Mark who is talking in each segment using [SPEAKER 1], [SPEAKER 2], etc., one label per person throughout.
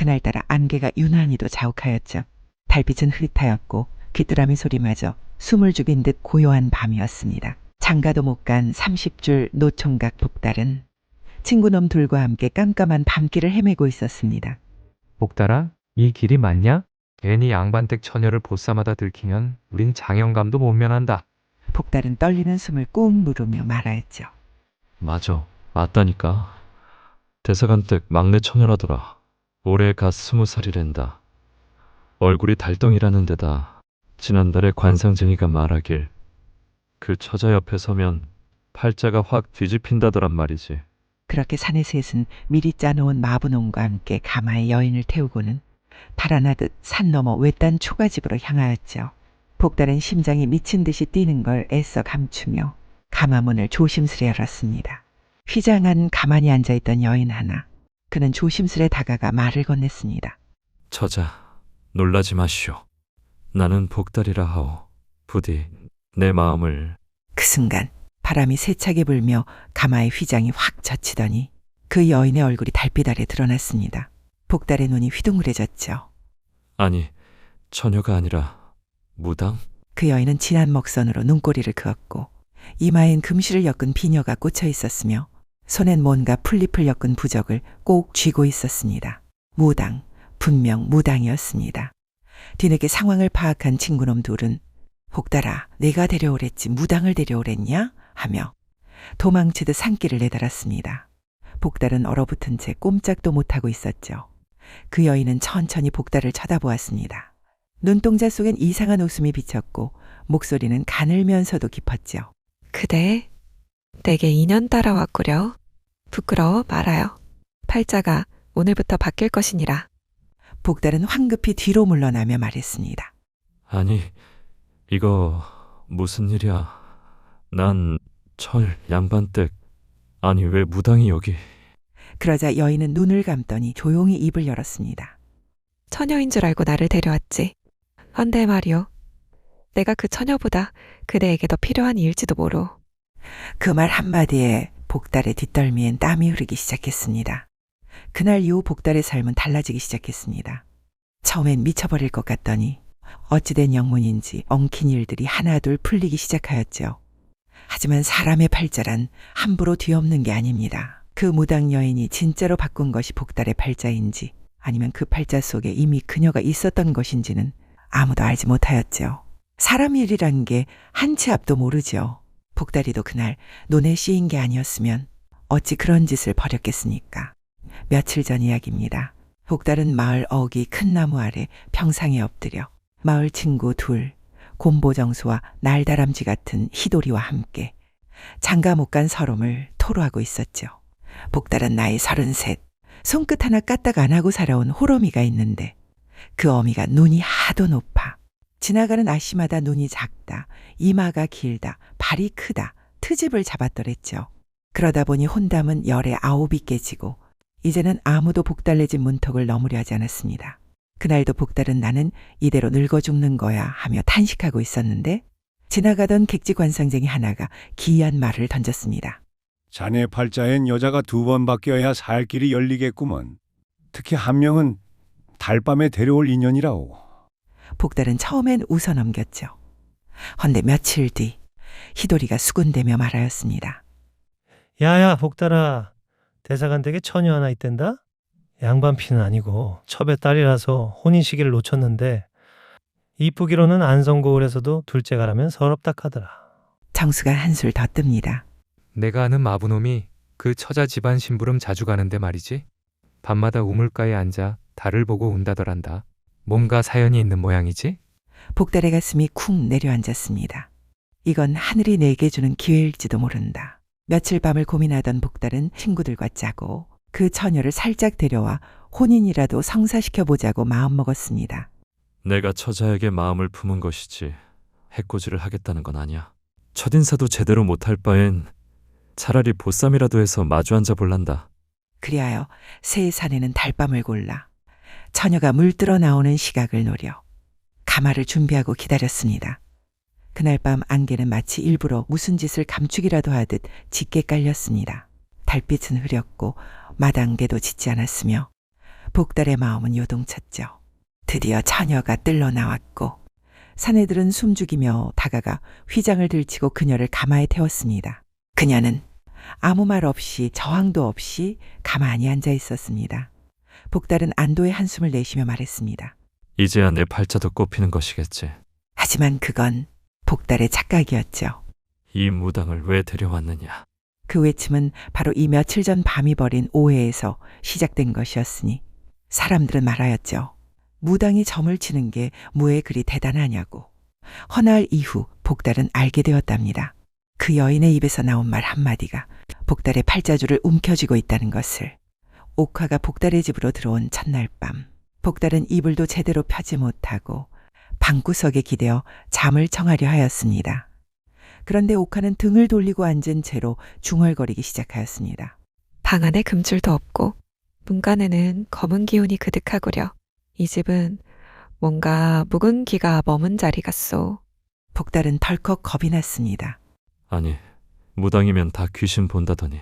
[SPEAKER 1] 그날따라 안개가 유난히도 자욱하였죠. 달빛은 흐릿하였고 귀뚜라미 소리마저 숨을 죽인 듯 고요한 밤이었습니다. 장가도 못 간 30줄 노총각 복달은 친구놈 둘과 함께 깜깜한 밤길을 헤매고 있었습니다.
[SPEAKER 2] 복달아, 이 길이 맞냐? 괜히 양반댁 처녀를 보쌈하다 들키면 우린 장영감도 못 면한다.
[SPEAKER 1] 복달은 떨리는 숨을 꾹 누르며 말하였죠.
[SPEAKER 3] 맞아, 맞다니까. 대사관댁 막내 처녀라더라. 올해 갓 20살이랜다. 얼굴이 달덩이라는 데다 지난달에 관상쟁이가 말하길 그 처자 옆에 서면 팔자가 확 뒤집힌다더란 말이지.
[SPEAKER 1] 그렇게 사내 셋은 미리 짜놓은 마부농과 함께 가마에 여인을 태우고는 달아나듯 산 너머 외딴 초가집으로 향하였죠. 복달은 심장이 미친 듯이 뛰는 걸 애써 감추며 가마문을 조심스레 열었습니다. 휘장한 가만히 앉아있던 여인 하나. 그는 조심스레 다가가 말을 건넸습니다.
[SPEAKER 3] 처자, 놀라지 마시오. 나는 복달이라 하오. 부디 내 마음을.
[SPEAKER 1] 그 순간 바람이 세차게 불며 가마의 휘장이 확 젖히더니 그 여인의 얼굴이 달빛 아래 드러났습니다. 복달의 눈이 휘둥그레졌죠.
[SPEAKER 3] 아니, 처녀가 아니라 무당?
[SPEAKER 1] 그 여인은 진한 먹선으로 눈꼬리를 그었고 이마엔 금실을 엮은 비녀가 꽂혀 있었으며 손엔 뭔가 풀잎을 엮은 부적을 꼭 쥐고 있었습니다. 무당, 분명 무당이었습니다. 뒤늦게 상황을 파악한 친구놈 둘은 복달아, 내가 데려오랬지 무당을 데려오랬냐? 하며 도망치듯 산길을 내달았습니다. 복달은 얼어붙은 채 꼼짝도 못하고 있었죠. 그 여인은 천천히 복달을 쳐다보았습니다. 눈동자 속엔 이상한 웃음이 비쳤고 목소리는 가늘면서도 깊었죠.
[SPEAKER 4] 그대 내게 인연 따라왔구려. 부끄러워 말아요. 팔자가 오늘부터 바뀔 것이니라.
[SPEAKER 1] 복달은 황급히 뒤로 물러나며 말했습니다.
[SPEAKER 3] 아니, 이거 무슨 일이야? 난 철 양반댁. 아니, 왜 무당이 여기?
[SPEAKER 1] 그러자 여인은 눈을 감더니 조용히 입을 열었습니다.
[SPEAKER 4] 처녀인 줄 알고 나를 데려왔지. 헌데 말이오. 내가 그 처녀보다 그대에게 더 필요한 이일지도 모로.
[SPEAKER 1] 그 말 한마디에 복달의 뒷덜미엔 땀이 흐르기 시작했습니다. 그날 이후 복달의 삶은 달라지기 시작했습니다. 처음엔 미쳐버릴 것 같더니 어찌된 영문인지 엉킨 일들이 하나둘 풀리기 시작하였죠. 하지만 사람의 팔자란 함부로 뒤엎는 게 아닙니다. 그 무당 여인이 진짜로 바꾼 것이 복달의 팔자인지 아니면 그 팔자 속에 이미 그녀가 있었던 것인지는 아무도 알지 못하였죠. 사람 일이란 게 한 치 앞도 모르죠. 복달이도 그날 눈에 씌인 게 아니었으면 어찌 그런 짓을 벌였겠습니까? 며칠 전 이야기입니다. 복달은 마을 어귀 큰 나무 아래 평상에 엎드려 마을 친구 둘, 곰보정수와 날다람쥐 같은 희돌이와 함께 장가 못 간 서름을 토로하고 있었죠. 복달은 나이 33, 손끝 하나 까딱 안 하고 살아온 호러미가 있는데 그 어미가 눈이 하도 높아 지나가는 아씨마다 눈이 작다, 이마가 길다, 발이 크다, 트집을 잡았더랬죠. 그러다 보니 혼담은 열에 9이 깨지고 이제는 아무도 복달 내집 문턱을 넘으려 하지 않았습니다. 그날도 복달은 나는 이대로 늙어 죽는 거야 하며 탄식하고 있었는데 지나가던 객지관상쟁이 하나가 기이한 말을 던졌습니다.
[SPEAKER 5] 자네 팔자엔 여자가 2번 바뀌어야 살 길이 열리겠구먼. 특히 한 명은 달밤에 데려올 인연이라오.
[SPEAKER 1] 복달은 처음엔 웃어 넘겼죠. 헌데 며칠 뒤 희돌이가 수군대며 말하였습니다.
[SPEAKER 6] 야야 복달아, 대사관댁에 처녀 하나 있댄다? 양반 피는 아니고 첩의 딸이라서 혼인 시기를 놓쳤는데 이쁘기로는 안성고을에서도 둘째가라면 서럽다 하더라.
[SPEAKER 1] 정수가 한술 더 뜹니다.
[SPEAKER 2] 내가 아는 마부놈이 그 처자 집안 심부름 자주 가는데 말이지. 밤마다 우물가에 앉아 달을 보고 운다더란다. 뭔가 사연이 있는 모양이지?
[SPEAKER 1] 복달의 가슴이 쿵 내려앉았습니다. 이건 하늘이 내게 주는 기회일지도 모른다. 며칠 밤을 고민하던 복달은 친구들과 짜고 그 처녀를 살짝 데려와 혼인이라도 성사시켜보자고 마음먹었습니다.
[SPEAKER 3] 내가 처자에게 마음을 품은 것이지 해코지를 하겠다는 건 아니야. 첫인사도 제대로 못할 바엔 차라리 보쌈이라도 해서 마주 앉아 볼란다.
[SPEAKER 1] 그리하여 새 사내는 달밤을 골라 처녀가 물들어 나오는 시각을 노려 가마를 준비하고 기다렸습니다. 그날 밤 안개는 마치 일부러 무슨 짓을 감추기라도 하듯 짙게 깔렸습니다. 달빛은 흐렸고 마당개도 짙지 않았으며 복달의 마음은 요동쳤죠. 드디어 처녀가 뜰러 나왔고 사내들은 숨죽이며 다가가 휘장을 들치고 그녀를 가마에 태웠습니다. 그녀는 아무 말 없이 저항도 없이 가만히 앉아 있었습니다. 복달은 안도의 한숨을 내쉬며 말했습니다.
[SPEAKER 3] 이제야 내 팔자도 꼽히는 것이겠지.
[SPEAKER 1] 하지만 그건 복달의 착각이었죠.
[SPEAKER 3] 이 무당을 왜 데려왔느냐.
[SPEAKER 1] 그 외침은 바로 이 며칠 전 밤이 벌인 오해에서 시작된 것이었으니 사람들은 말하였죠. 무당이 점을 치는 게 뭐에 그리 대단하냐고. 허나흘 이후 복달은 알게 되었답니다. 그 여인의 입에서 나온 말 한마디가 복달의 팔자주를 움켜쥐고 있다는 것을. 옥화가 복달의 집으로 들어온 첫날 밤, 복달은 이불도 제대로 펴지 못하고 방구석에 기대어 잠을 청하려 하였습니다. 그런데 옥화는 등을 돌리고 앉은 채로 중얼거리기 시작하였습니다.
[SPEAKER 4] 방 안에 금줄도 없고 문간에는 검은 기운이 그득하구려. 이 집은 뭔가 묵은 기가 머문 자리 같소.
[SPEAKER 1] 복달은 덜컥 겁이 났습니다.
[SPEAKER 3] 아니, 무당이면 다 귀신 본다더니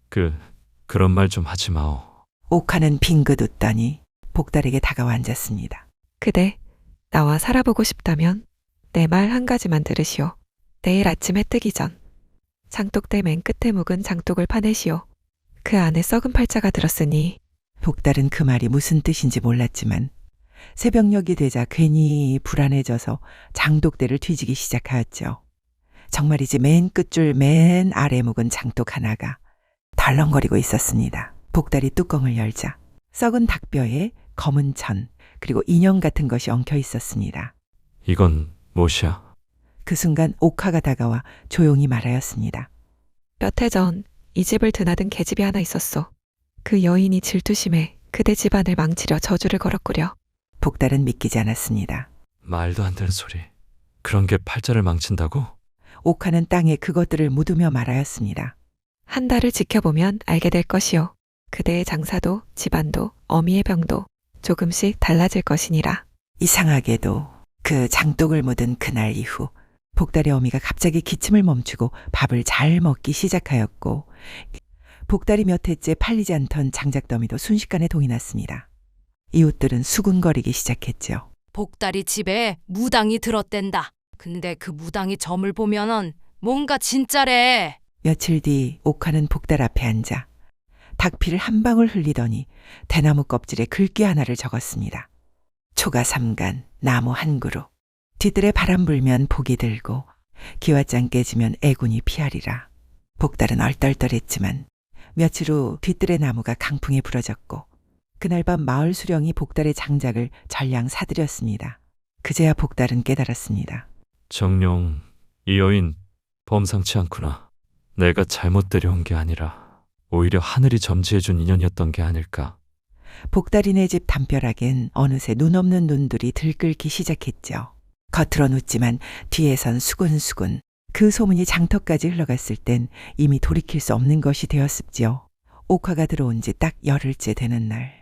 [SPEAKER 3] 그런 말 좀 하지 마오.
[SPEAKER 1] 옥화는 빙긋 웃더니 복달에게 다가와 앉았습니다.
[SPEAKER 4] 그대 나와 살아보고 싶다면 내 말 한 가지만 들으시오. 내일 아침 해 뜨기 전 장독대 맨 끝에 묵은 장독을 파내시오. 그 안에 썩은 팔자가 들었으니.
[SPEAKER 1] 복달은 그 말이 무슨 뜻인지 몰랐지만 새벽녘이 되자 괜히 불안해져서 장독대를 뒤지기 시작하였죠. 정말이지 맨 끝줄 맨 아래 묵은 장독 하나가 덜렁거리고 있었습니다. 복달이 뚜껑을 열자 썩은 닭뼈에 검은 천 그리고 인형 같은 것이 엉켜 있었습니다.
[SPEAKER 3] 이건 무엇이야?
[SPEAKER 1] 그 순간 옥화가 다가와 조용히 말하였습니다.
[SPEAKER 4] 몇 해 전 이 집을 드나든 계집이 하나 있었소. 그 여인이 질투심에 그대 집안을 망치려 저주를 걸었구려.
[SPEAKER 1] 복달은 믿기지 않았습니다.
[SPEAKER 3] 말도 안 되는 소리. 그런 게 팔자를 망친다고?
[SPEAKER 1] 옥화는 땅에 그것들을 묻으며 말하였습니다.
[SPEAKER 4] 한 달을 지켜보면 알게 될 것이오. 그대의 장사도 집안도 어미의 병도 조금씩 달라질 것이니라.
[SPEAKER 1] 이상하게도 그 장독을 묻은 그날 이후 복달의 어미가 갑자기 기침을 멈추고 밥을 잘 먹기 시작하였고 복달이 몇 해째 팔리지 않던 장작더미도 순식간에 동이 났습니다. 이웃들은 수군거리기 시작했죠.
[SPEAKER 7] 복달이 집에 무당이 들었댄다. 근데 그 무당이 점을 보면은 뭔가 진짜래.
[SPEAKER 1] 며칠 뒤 옥화는 복달 앞에 앉아 닭피를 한 방울 흘리더니 대나무 껍질에 글귀 하나를 적었습니다. 초가 삼간 나무 한 그루 뒤뜰에 바람 불면 복이 들고 기와장 깨지면 애군이 피하리라. 복달은 얼떨떨했지만 며칠 후 뒤뜰의 나무가 강풍에 부러졌고 그날 밤 마을 수령이 복달의 장작을 전량 사들였습니다. 그제야 복달은 깨달았습니다.
[SPEAKER 3] 정룡, 이 여인 범상치 않구나. 내가 잘못 데려온 게 아니라 오히려 하늘이 점지해준 인연이었던 게 아닐까.
[SPEAKER 1] 복달이네 집 담벼락엔 어느새 눈 없는 눈들이 들끓기 시작했죠. 겉으론 웃지만 뒤에선 수군수군. 그 소문이 장터까지 흘러갔을 땐 이미 돌이킬 수 없는 것이 되었습지요. 옥화가 들어온 지 딱 열흘째 되는 날.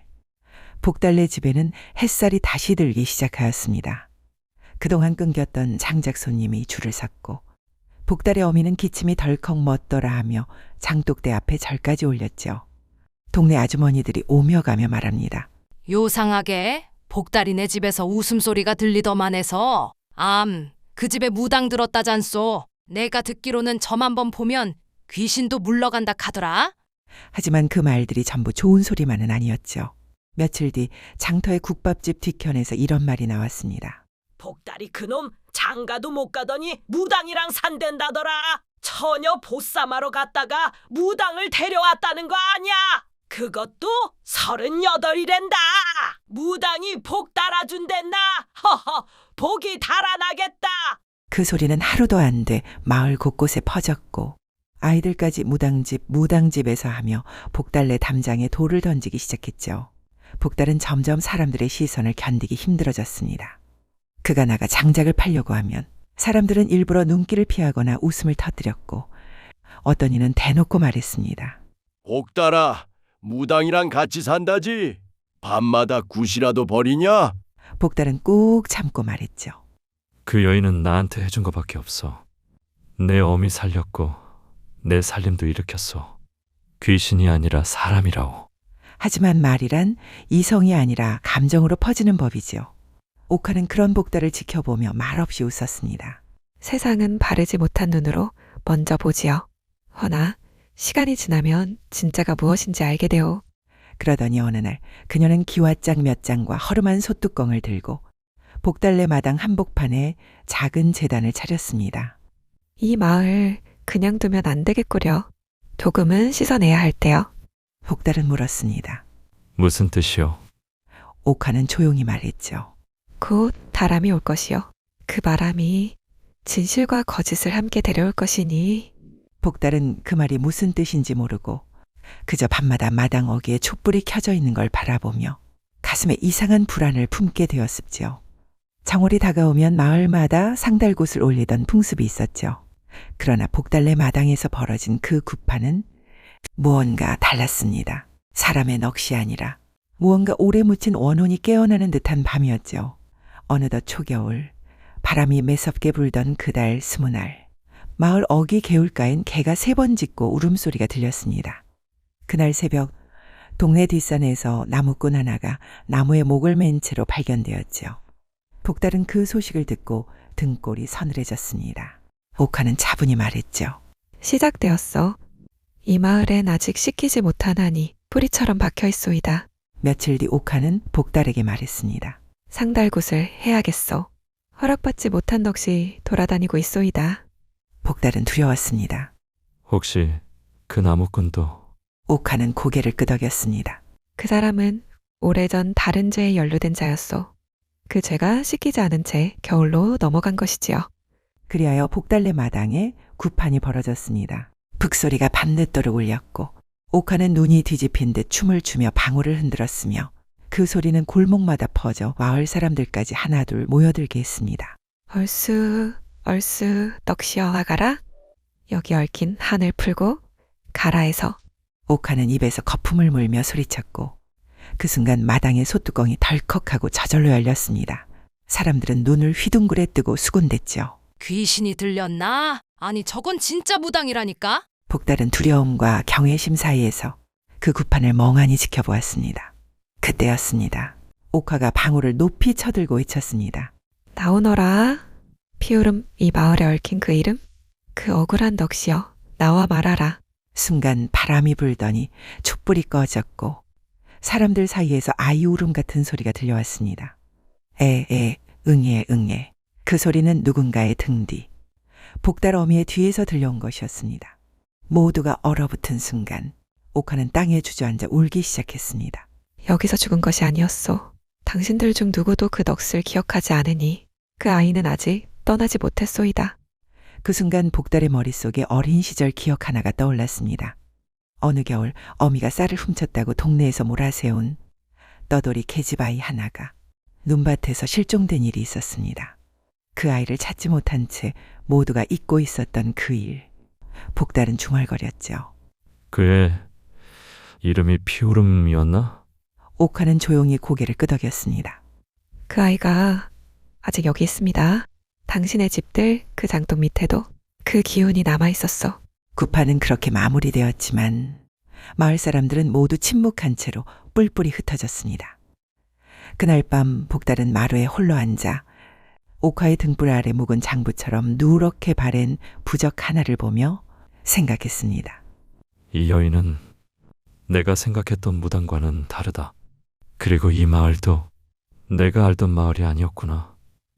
[SPEAKER 1] 복달네 집에는 햇살이 다시 들기 시작하였습니다. 그동안 끊겼던 장작 손님이 줄을 섰고 복달의 어미는 기침이 덜컥 멎더라 하며 장독대 앞에 절까지 올렸죠. 동네 아주머니들이 오며 가며 말합니다.
[SPEAKER 7] 요상하게 복달이네 집에서 웃음소리가 들리더만 해서 그 집에 무당 들었다잖소. 내가 듣기로는 점 한번 보면 귀신도 물러간다 카더라.
[SPEAKER 1] 하지만 그 말들이 전부 좋은 소리만은 아니었죠. 며칠 뒤 장터의 국밥집 뒤편에서 이런 말이 나왔습니다.
[SPEAKER 8] 복달이 그놈 장가도 못 가더니 무당이랑 산댄다더라. 처녀 보쌈하러 갔다가 무당을 데려왔다는 거 아니야. 그것도 38이랜다. 무당이 복 달아준댔나. 허허, 복이 달아나겠다.
[SPEAKER 1] 그 소리는 하루도 안 돼 마을 곳곳에 퍼졌고 아이들까지 무당집에서 하며 복달네 담장에 돌을 던지기 시작했죠. 복달은 점점 사람들의 시선을 견디기 힘들어졌습니다. 그가 나가 장작을 팔려고 하면 사람들은 일부러 눈길을 피하거나 웃음을 터뜨렸고 어떤 이는 대놓고 말했습니다.
[SPEAKER 9] 복달아, 무당이랑 같이 산다지. 밤마다 굿이라도 버리냐?
[SPEAKER 1] 복달은 꾹 참고 말했죠.
[SPEAKER 3] 그 여인은 나한테 해준 것밖에 없어. 내 어미 살렸고 내 살림도 일으켰어. 귀신이 아니라 사람이라오.
[SPEAKER 1] 하지만 말이란 이성이 아니라 감정으로 퍼지는 법이지요. 옥화는 그런 복달을 지켜보며 말없이 웃었습니다.
[SPEAKER 4] 세상은 바르지 못한 눈으로 먼저 보지요. 허나 시간이 지나면 진짜가 무엇인지 알게 되오.
[SPEAKER 1] 그러더니 어느 날 그녀는 기와장 몇 장과 허름한 솥뚜껑을 들고 복달래 마당 한복판에 작은 제단을 차렸습니다.
[SPEAKER 4] 이 마을 그냥 두면 안 되겠구려. 조금은 씻어내야 할 때요.
[SPEAKER 1] 복달은 물었습니다.
[SPEAKER 3] 무슨 뜻이요?
[SPEAKER 1] 옥화는 조용히 말했죠.
[SPEAKER 4] 곧 바람이 올 것이요. 그 바람이 진실과 거짓을 함께 데려올 것이니.
[SPEAKER 1] 복달은 그 말이 무슨 뜻인지 모르고 그저 밤마다 마당 어귀에 촛불이 켜져 있는 걸 바라보며 가슴에 이상한 불안을 품게 되었습지요. 정월이 다가오면 마을마다 상달곶을 올리던 풍습이 있었죠. 그러나 복달래 마당에서 벌어진 그 구판은 무언가 달랐습니다. 사람의 넋이 아니라 무언가 오래 묻힌 원혼이 깨어나는 듯한 밤이었죠. 어느덧 초겨울, 바람이 매섭게 불던 그달 스무날, 마을 어귀 개울가엔 개가 3번 짖고 울음소리가 들렸습니다. 그날 새벽 동네 뒷산에서 나무꾼 하나가 나무에 목을 맨 채로 발견되었죠. 복달은 그 소식을 듣고 등골이 서늘해졌습니다. 옥화는 차분히 말했죠.
[SPEAKER 4] 시작되었어. 이 마을엔 아직 씻기지 못하나니 뿌리처럼 박혀 있소이다.
[SPEAKER 1] 며칠 뒤 옥화는 복달에게 말했습니다.
[SPEAKER 4] 상달곶을 해야겠소. 허락받지 못한 넋이 돌아다니고 있소이다.
[SPEAKER 1] 복달은 두려웠습니다.
[SPEAKER 3] 혹시 그 나무꾼도
[SPEAKER 1] 옥화는 고개를 끄덕였습니다.
[SPEAKER 4] 그 사람은 오래전 다른 죄에 연루된 자였소. 그 죄가 씻기지 않은 채 겨울로 넘어간 것이지요.
[SPEAKER 1] 그리하여 복달래 마당에 구판이 벌어졌습니다. 북소리가 밤늦도록 울렸고 옥화는 눈이 뒤집힌 듯 춤을 추며 방울을 흔들었으며 그 소리는 골목마다 퍼져 마을 사람들까지 하나둘 모여들게 했습니다.
[SPEAKER 4] 얼쑤 넋이여 나가라. 여기 얽힌 한을 풀고 가라에서.
[SPEAKER 1] 옥화는 입에서 거품을 물며 소리쳤고 그 순간 마당의 솥뚜껑이 덜컥하고 저절로 열렸습니다. 사람들은 눈을 휘둥그레 뜨고 수군댔죠.
[SPEAKER 7] 귀신이 들렸나? 아니 저건 진짜 무당이라니까?
[SPEAKER 1] 복달은 두려움과 경외심 사이에서 그 구판을 멍하니 지켜보았습니다. 그때였습니다. 옥화가 방울을 높이 쳐들고 외쳤습니다.
[SPEAKER 4] 나오너라. 피오름 이 마을에 얽힌 그 이름? 그 억울한 넋이여 나와 말하라.
[SPEAKER 1] 순간 바람이 불더니 촛불이 꺼졌고 사람들 사이에서 아이 울음 같은 소리가 들려왔습니다. 에에 응애 응애. 그 소리는 누군가의 등 뒤, 복달 어미의 뒤에서 들려온 것이었습니다. 모두가 얼어붙은 순간 옥화는 땅에 주저앉아 울기 시작했습니다.
[SPEAKER 4] 여기서 죽은 것이 아니었소. 당신들 중 누구도 그 넋을 기억하지 않으니 그 아이는 아직 떠나지 못했소이다.
[SPEAKER 1] 그 순간 복달의 머릿속에 어린 시절 기억 하나가 떠올랐습니다. 어느 겨울 어미가 쌀을 훔쳤다고 동네에서 몰아세운 떠돌이 계집아이 하나가 눈밭에서 실종된 일이 있었습니다. 그 아이를 찾지 못한 채 모두가 잊고 있었던 그 일. 복달은 중얼거렸죠.
[SPEAKER 3] 그의 이름이 피오름이었나?
[SPEAKER 1] 옥화는 조용히 고개를 끄덕였습니다.
[SPEAKER 4] 그 아이가 아직 여기 있습니다. 당신의 집들 그 장독 밑에도 그 기운이 남아 있었어.
[SPEAKER 1] 구판은 그렇게 마무리되었지만 마을 사람들은 모두 침묵한 채로 뿔뿔이 흩어졌습니다. 그날 밤 복달은 마루에 홀로 앉아 옥화의 등불 아래 묵은 장부처럼 누렇게 바랜 부적 하나를 보며 생각했습니다.
[SPEAKER 3] 이 여인은 내가 생각했던 무당과는 다르다. 그리고 이 마을도 내가 알던 마을이 아니었구나.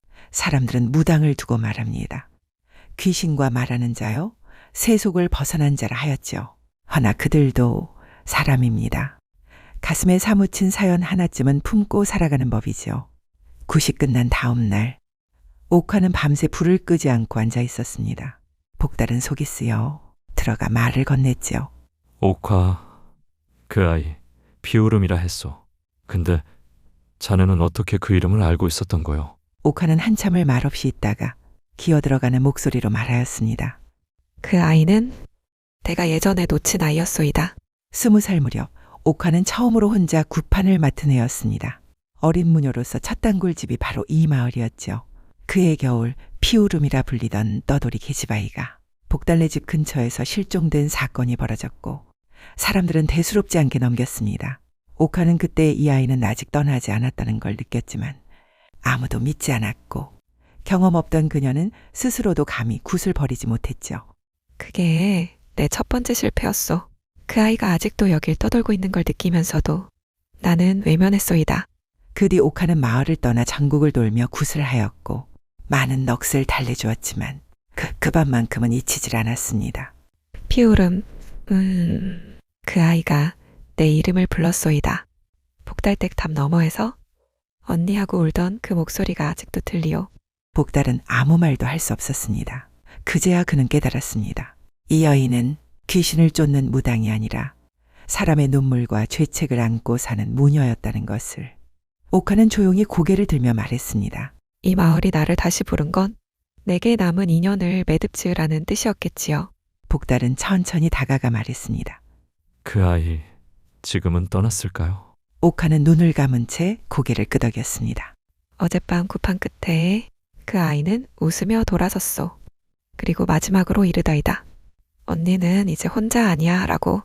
[SPEAKER 1] 사람들은 무당을 두고 말합니다. 귀신과 말하는 자요, 세속을 벗어난 자라 하였죠. 허나 그들도 사람입니다. 가슴에 사무친 사연 하나쯤은 품고 살아가는 법이죠. 굿이 끝난 다음 날 옥화는 밤새 불을 끄지 않고 앉아 있었습니다. 복달은 속이 쓰여 들어가 말을 건넸지요.
[SPEAKER 3] 옥화, 그 아이 피오름이라 했소. 근데 자네는 어떻게 그 이름을 알고 있었던 거요?
[SPEAKER 1] 옥화는 한참을 말없이 있다가 기어들어가는 목소리로 말하였습니다.
[SPEAKER 4] 그 아이는 내가 예전에 놓친 아이였소이다.
[SPEAKER 1] 20살 무렵 옥화는 처음으로 혼자 구판을 맡은 해였습니다. 어린 무녀로서 첫 단골집이 바로 이 마을이었죠. 그해 겨울 피오름이라 불리던 떠돌이 계집아이가 복달래 집 근처에서 실종된 사건이 벌어졌고 사람들은 대수롭지 않게 넘겼습니다. 옥화는 그때 이 아이는 아직 떠나지 않았다는 걸 느꼈지만 아무도 믿지 않았고 경험 없던 그녀는 스스로도 감히 굿을 버리지 못했죠.
[SPEAKER 4] 그게 내 첫 번째 실패였어. 그 아이가 아직도 여길 떠돌고 있는 걸 느끼면서도 나는 외면했소이다.
[SPEAKER 1] 그 뒤 옥화는 마을을 떠나 전국을 돌며 굿을 하였고 많은 넋을 달래주었지만 그 밤만큼은 잊히질 않았습니다.
[SPEAKER 4] 피오름, 그 아이가 내 이름을 불렀소이다. 복달댁 담 너머에서 언니하고 울던 그 목소리가 아직도 들리오.
[SPEAKER 1] 복달은 아무 말도 할 수 없었습니다. 그제야 그는 깨달았습니다. 이 여인은 귀신을 쫓는 무당이 아니라 사람의 눈물과 죄책을 안고 사는 무녀였다는 것을. 옥화는 조용히 고개를 들며 말했습니다.
[SPEAKER 4] 이 마을이 나를 다시 부른 건 내게 남은 인연을 매듭지으라는 뜻이었겠지요.
[SPEAKER 1] 복달은 천천히 다가가 말했습니다.
[SPEAKER 3] 그 아이 지금은 떠났을까요?
[SPEAKER 1] 옥화는 눈을 감은 채 고개를 끄덕였습니다.
[SPEAKER 4] 어젯밤 구판 끝에 그 아이는 웃으며 돌아섰소. 그리고 마지막으로 이르다이다. 언니는 이제 혼자 아니야 라고.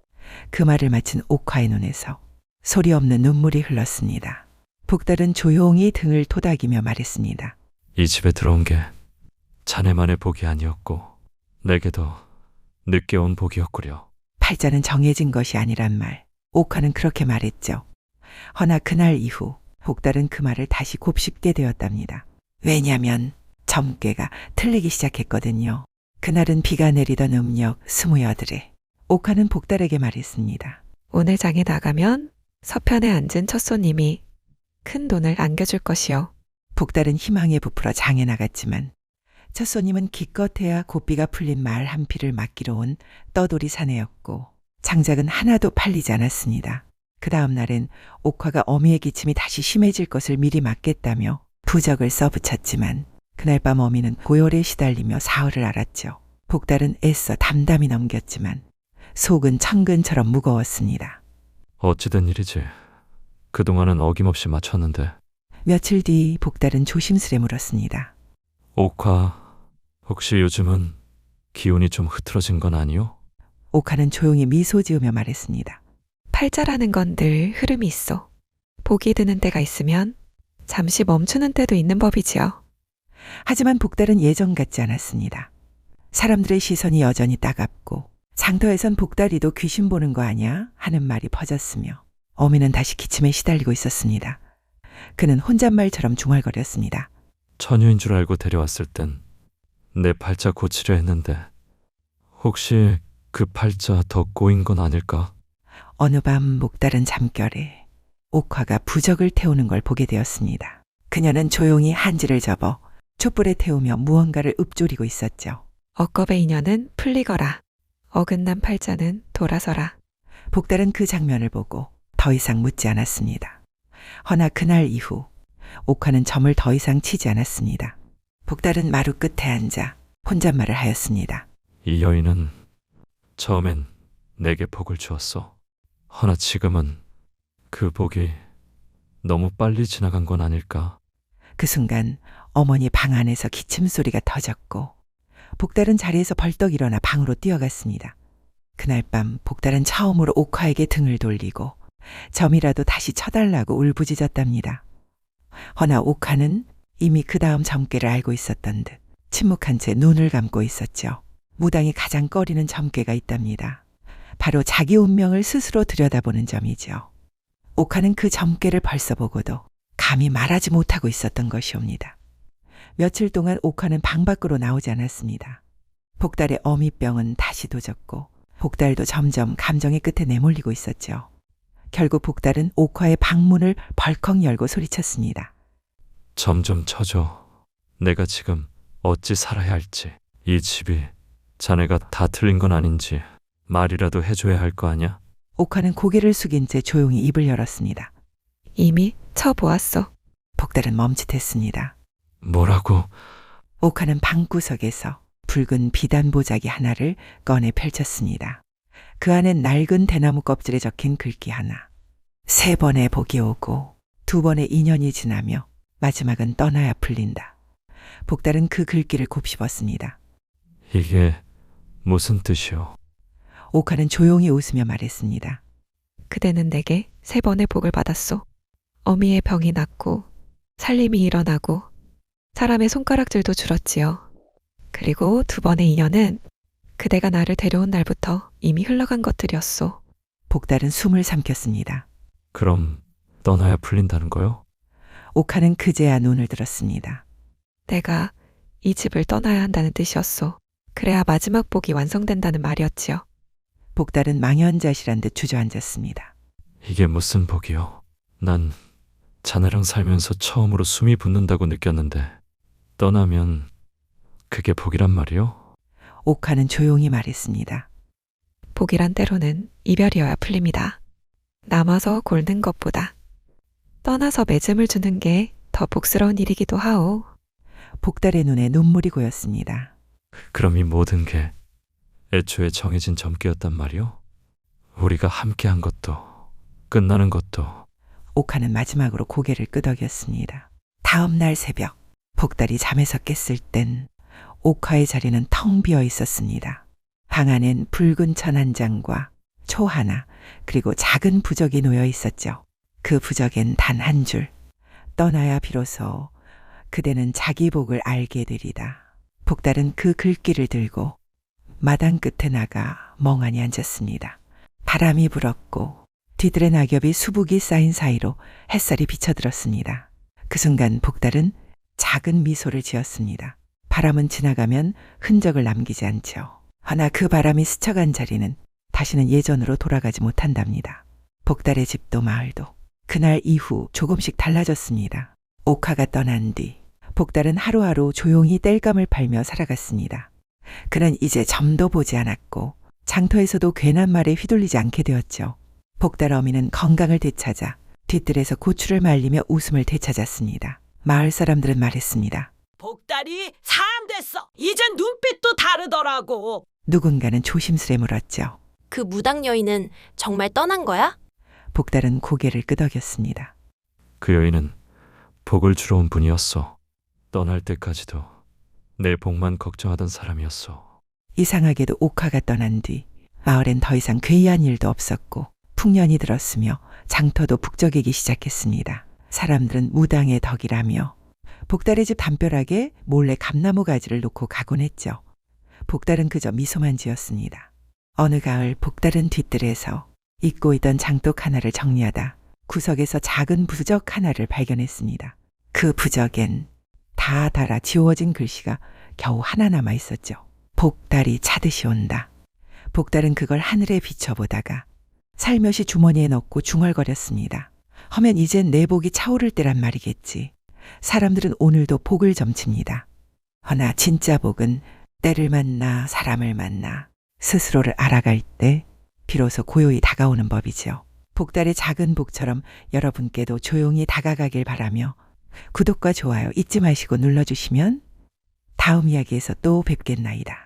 [SPEAKER 1] 그 말을 마친 옥화의 눈에서 소리 없는 눈물이 흘렀습니다. 복달은 조용히 등을 토닥이며 말했습니다.
[SPEAKER 3] 이 집에 들어온 게 자네만의 복이 아니었고 내게도 늦게 온 복이었구려.
[SPEAKER 1] 팔자는 정해진 것이 아니란 말. 옥화는 그렇게 말했죠. 허나 그날 이후 복달은 그 말을 다시 곱씹게 되었답니다. 왜냐하면 점괘가 틀리기 시작했거든요. 그날은 비가 내리던 음력 28에 옥화는 복달에게 말했습니다.
[SPEAKER 4] 오늘 장에 나가면 서편에 앉은 첫 손님이 큰 돈을 안겨줄 것이요.
[SPEAKER 1] 복달은 희망에 부풀어 장에 나갔지만 첫 손님은 기껏해야 고비가 풀린 말 한 피를 맡기러 온 떠돌이 사내였고 장작은 하나도 팔리지 않았습니다. 그 다음 날엔 옥화가 어미의 기침이 다시 심해질 것을 미리 막겠다며 부적을 써붙였지만 그날 밤 어미는 고열에 시달리며 사흘을 앓았죠. 복달은 애써 담담히 넘겼지만 속은 천근처럼 무거웠습니다.
[SPEAKER 3] 어찌된 일이지? 그동안은 어김없이 맞췄는데.
[SPEAKER 1] 며칠 뒤 복달은 조심스레 물었습니다.
[SPEAKER 3] 옥화, 혹시 요즘은 기운이 좀 흐트러진 건 아니오?
[SPEAKER 1] 옥화는 조용히 미소 지으며 말했습니다.
[SPEAKER 4] 팔자라는 건 늘 흐름이 있어. 복이 드는 때가 있으면 잠시 멈추는 때도 있는 법이지요.
[SPEAKER 1] 하지만 복달은 예전 같지 않았습니다. 사람들의 시선이 여전히 따갑고 장터에선 복달이도 귀신 보는 거 아냐 하는 말이 퍼졌으며 어미는 다시 기침에 시달리고 있었습니다. 그는 혼잣말처럼 중얼거렸습니다.
[SPEAKER 3] 처녀인 줄 알고 데려왔을 땐 내 팔자 고치려 했는데 혹시 그 팔자 더 꼬인 건 아닐까?
[SPEAKER 1] 어느 밤 목다른 잠결에 옥화가 부적을 태우는 걸 보게 되었습니다. 그녀는 조용히 한지를 접어 촛불에 태우며 무언가를 읊조리고 있었죠.
[SPEAKER 4] 억겁의 인연은 풀리거라. 어긋난 팔자는 돌아서라.
[SPEAKER 1] 복달은 그 장면을 보고 더 이상 묻지 않았습니다. 허나 그날 이후 옥화는 점을 더 이상 치지 않았습니다. 복달은 마루 끝에 앉아 혼잣말을 하였습니다.
[SPEAKER 3] 이 여인은 처음엔 내게 복을 주었어. 허나 지금은 그 복이 너무 빨리 지나간 건 아닐까?
[SPEAKER 1] 그 순간 어머니 방 안에서 기침 소리가 터졌고 복달은 자리에서 벌떡 일어나 방으로 뛰어갔습니다. 그날 밤 복달은 처음으로 옥화에게 등을 돌리고 점이라도 다시 쳐달라고 울부짖었답니다. 허나 옥화는 이미 그 다음 점괘를 알고 있었던 듯 침묵한 채 눈을 감고 있었죠. 무당이 가장 꺼리는 점괘가 있답니다. 바로 자기 운명을 스스로 들여다보는 점이죠. 옥화는 그 점괘를 벌써 보고도 감히 말하지 못하고 있었던 것이옵니다. 며칠 동안 옥화는 방 밖으로 나오지 않았습니다. 복달의 어미병은 다시 도졌고 복달도 점점 감정의 끝에 내몰리고 있었죠. 결국 복달은 옥화의 방문을 벌컥 열고 소리쳤습니다.
[SPEAKER 3] 점점 쳐줘. 내가 지금 어찌 살아야 할지. 이 집이 자네가 다 틀린 건 아닌지 말이라도 해줘야 할 거 아냐?
[SPEAKER 1] 옥화는 고개를 숙인 채 조용히 입을 열었습니다.
[SPEAKER 4] 이미 쳐보았어.
[SPEAKER 1] 복달은 멈칫했습니다.
[SPEAKER 3] 뭐라고?
[SPEAKER 1] 옥화는 방구석에서 붉은 비단 보자기 하나를 꺼내 펼쳤습니다. 그 안엔 낡은 대나무 껍질에 적힌 글귀 하나. 3번의 복이 오고 2번의 인연이 지나며 마지막은 떠나야 풀린다. 복달은 그 글귀를 곱씹었습니다.
[SPEAKER 3] 이게 무슨 뜻이오?
[SPEAKER 1] 옥화는 조용히 웃으며 말했습니다.
[SPEAKER 4] 그대는 내게 3번의 복을 받았소. 어미의 병이 낫고 살림이 일어나고 사람의 손가락질도 줄었지요. 그리고 2번의 인연은 그대가 나를 데려온 날부터 이미 흘러간 것들이었소.
[SPEAKER 1] 복달은 숨을 삼켰습니다.
[SPEAKER 3] 그럼 떠나야 풀린다는 거요?
[SPEAKER 1] 옥화는 그제야 눈을 들었습니다.
[SPEAKER 4] 내가 이 집을 떠나야 한다는 뜻이었소. 그래야 마지막 복이 완성된다는 말이었지요.
[SPEAKER 1] 복달은 망연자실한 듯 주저앉았습니다.
[SPEAKER 3] 이게 무슨 복이요? 난 자네랑 살면서 처음으로 숨이 붙는다고 느꼈는데 떠나면 그게 복이란 말이요?
[SPEAKER 1] 옥화는 조용히 말했습니다.
[SPEAKER 4] 복이란 때로는 이별이어야 풀립니다. 남아서 골는 것보다 떠나서 맺음을 주는 게 더 복스러운 일이기도 하오.
[SPEAKER 1] 복달의 눈에 눈물이 고였습니다.
[SPEAKER 3] 그럼 이 모든 게 애초에 정해진 점괘였단 말이요? 우리가 함께한 것도 끝나는 것도.
[SPEAKER 1] 옥화는 마지막으로 고개를 끄덕였습니다. 다음 날 새벽, 복달이 잠에서 깼을 땐 옥화의 자리는 텅 비어 있었습니다. 방 안엔 붉은 천 한 장과 초 하나, 그리고 작은 부적이 놓여 있었죠. 그 부적엔 단 한 줄. 떠나야 비로소 그대는 자기 복을 알게 되리다. 복달은 그 글귀를 들고 마당 끝에 나가 멍하니 앉았습니다. 바람이 불었고 뒤뜰의 낙엽이 수북이 쌓인 사이로 햇살이 비쳐들었습니다. 그 순간 복달은 작은 미소를 지었습니다. 바람은 지나가면 흔적을 남기지 않죠. 허나 그 바람이 스쳐간 자리는 다시는 예전으로 돌아가지 못한답니다. 복달의 집도 마을도 그날 이후 조금씩 달라졌습니다. 옥화가 떠난 뒤 복달은 하루하루 조용히 땔감을 팔며 살아갔습니다. 그는 이제 점도 보지 않았고 장터에서도 괜한 말에 휘둘리지 않게 되었죠. 복달 어미는 건강을 되찾아 뒤뜰에서 고추를 말리며 웃음을 되찾았습니다. 마을 사람들은 말했습니다.
[SPEAKER 8] 복달이 사람 됐어. 이젠 눈빛도 다르더라고.
[SPEAKER 1] 누군가는 조심스레 물었죠.
[SPEAKER 10] 그 무당 여인은 정말 떠난 거야?
[SPEAKER 1] 복달은 고개를 끄덕였습니다.
[SPEAKER 3] 그 여인은 복을 주러 온 분이었어. 떠날 때까지도 내 복만 걱정하던 사람이었어.
[SPEAKER 1] 이상하게도 옥화가 떠난 뒤 마을엔 더 이상 괴이한 일도 없었고 풍년이 들었으며 장터도 북적이기 시작했습니다. 사람들은 무당의 덕이라며 복달의 집 담벼락에 몰래 감나무 가지를 놓고 가곤 했죠. 복달은 그저 미소만 지었습니다. 어느 가을 복달은 뒤뜰에서 잊고 있던 장독 하나를 정리하다 구석에서 작은 부적 하나를 발견했습니다. 그 부적엔 다 달아 지워진 글씨가 겨우 하나 남아 있었죠. 복달이 차듯이 온다. 복달은 그걸 하늘에 비춰보다가 살며시 주머니에 넣고 중얼거렸습니다. 허면 이젠 내 복이 차오를 때란 말이겠지. 사람들은 오늘도 복을 점칩니다. 허나 진짜 복은 때를 만나 사람을 만나 스스로를 알아갈 때 비로소 고요히 다가오는 법이지요. 복달의 작은 복처럼 여러분께도 조용히 다가가길 바라며 구독과 좋아요 잊지 마시고 눌러주시면 다음 이야기에서 또 뵙겠나이다.